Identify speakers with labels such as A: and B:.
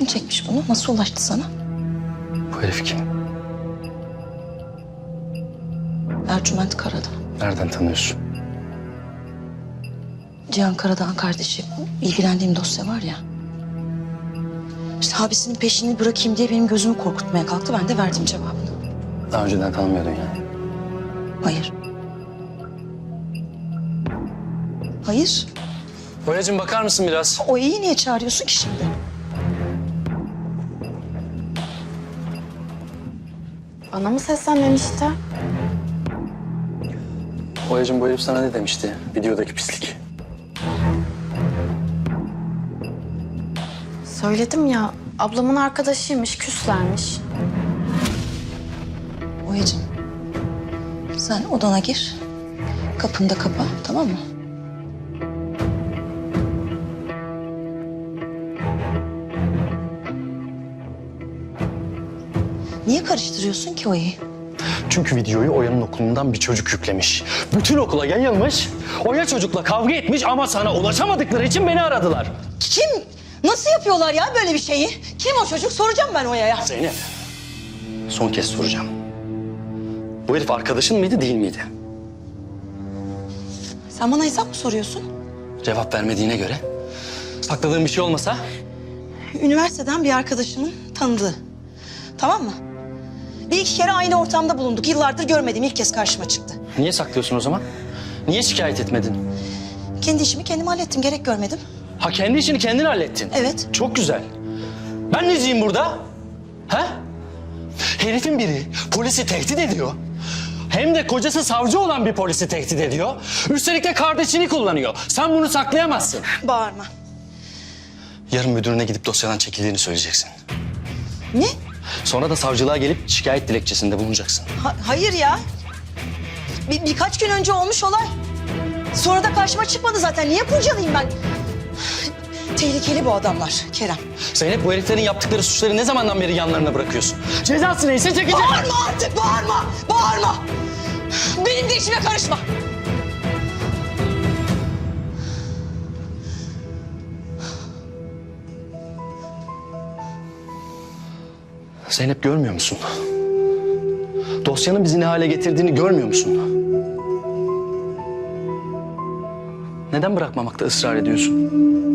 A: çekmiş bunu? Nasıl ulaştı sana?
B: Bu herif kim?
A: Ercüment Karadağ.
B: Nereden tanıyorsun?
A: Cihan Karadağ'ın kardeşi. İlgilendiğim dosya var ya. İşte abisinin peşini bırakayım diye benim gözümü korkutmaya kalktı. Ben de verdim cevabını.
B: Daha önceden tanımıyordun yani.
A: Hayır. Hayır.
B: Boyacığım bakar mısın biraz?
A: O iyi niye çağırıyorsun ki şimdi?
C: Bana mı seslenmemişti?
B: Boyacığım bu herif sana ne demişti? Videodaki pislik.
C: Söyledim ya, ablamın arkadaşıymış, küslermiş.
A: Oya'cığım, sen odana gir. Kapını da kapa, tamam mı? Niye karıştırıyorsun ki Oya'yı?
B: Çünkü videoyu Oya'nın okulundan bir çocuk yüklemiş. Bütün okula yayılmış. Oya çocukla kavga etmiş ama sana ulaşamadıkları için beni aradılar.
A: Kim? Nasıl yapıyorlar ya böyle bir şeyi? Kim o çocuk? Soracağım ben Oya'ya.
B: Zeynep, son kez soracağım. Bu herif arkadaşın mıydı, değil miydi?
A: Sen bana hesap mı soruyorsun?
B: Cevap vermediğine göre. Sakladığın bir şey olmasa?
A: Üniversiteden bir arkadaşımın tanıdığı. Tamam mı? Bir iki kere aynı ortamda bulunduk. Yıllardır görmediğim ilk kez karşıma çıktı.
B: Niye saklıyorsun o zaman? Niye şikayet etmedin?
A: Kendi işimi kendim hallettim. Gerek görmedim.
B: Ha kendi işini kendin hallettin.
A: Evet.
B: Çok güzel. Ben neciyim burada? Ha? Herifin biri polisi tehdit ediyor. Hem de kocası savcı olan bir polisi tehdit ediyor. Üstelik de kardeşini kullanıyor. Sen bunu saklayamazsın.
A: Bağırma.
B: Yarın müdürüne gidip dosyadan çekildiğini söyleyeceksin.
A: Ne?
B: Sonra da savcılığa gelip şikayet dilekçesinde bulunacaksın.
A: Hayır ya. Birkaç gün önce olmuş olay. Sonra da karşıma çıkmadı zaten. Niye kurcalayayım ben? Tehlikeli bu adamlar Kerem.
B: Zeynep, bu heriflerin yaptıkları suçları ne zamandan beri yanlarına bırakıyorsun? Cezası neyse çekecek.
A: Bağırma artık, bağırma! Bağırma! Benim de işime karışma.
B: Zeynep, görmüyor musun? Dosyanın bizi ne hale getirdiğini görmüyor musun? Neden bırakmamakta ısrar ediyorsun?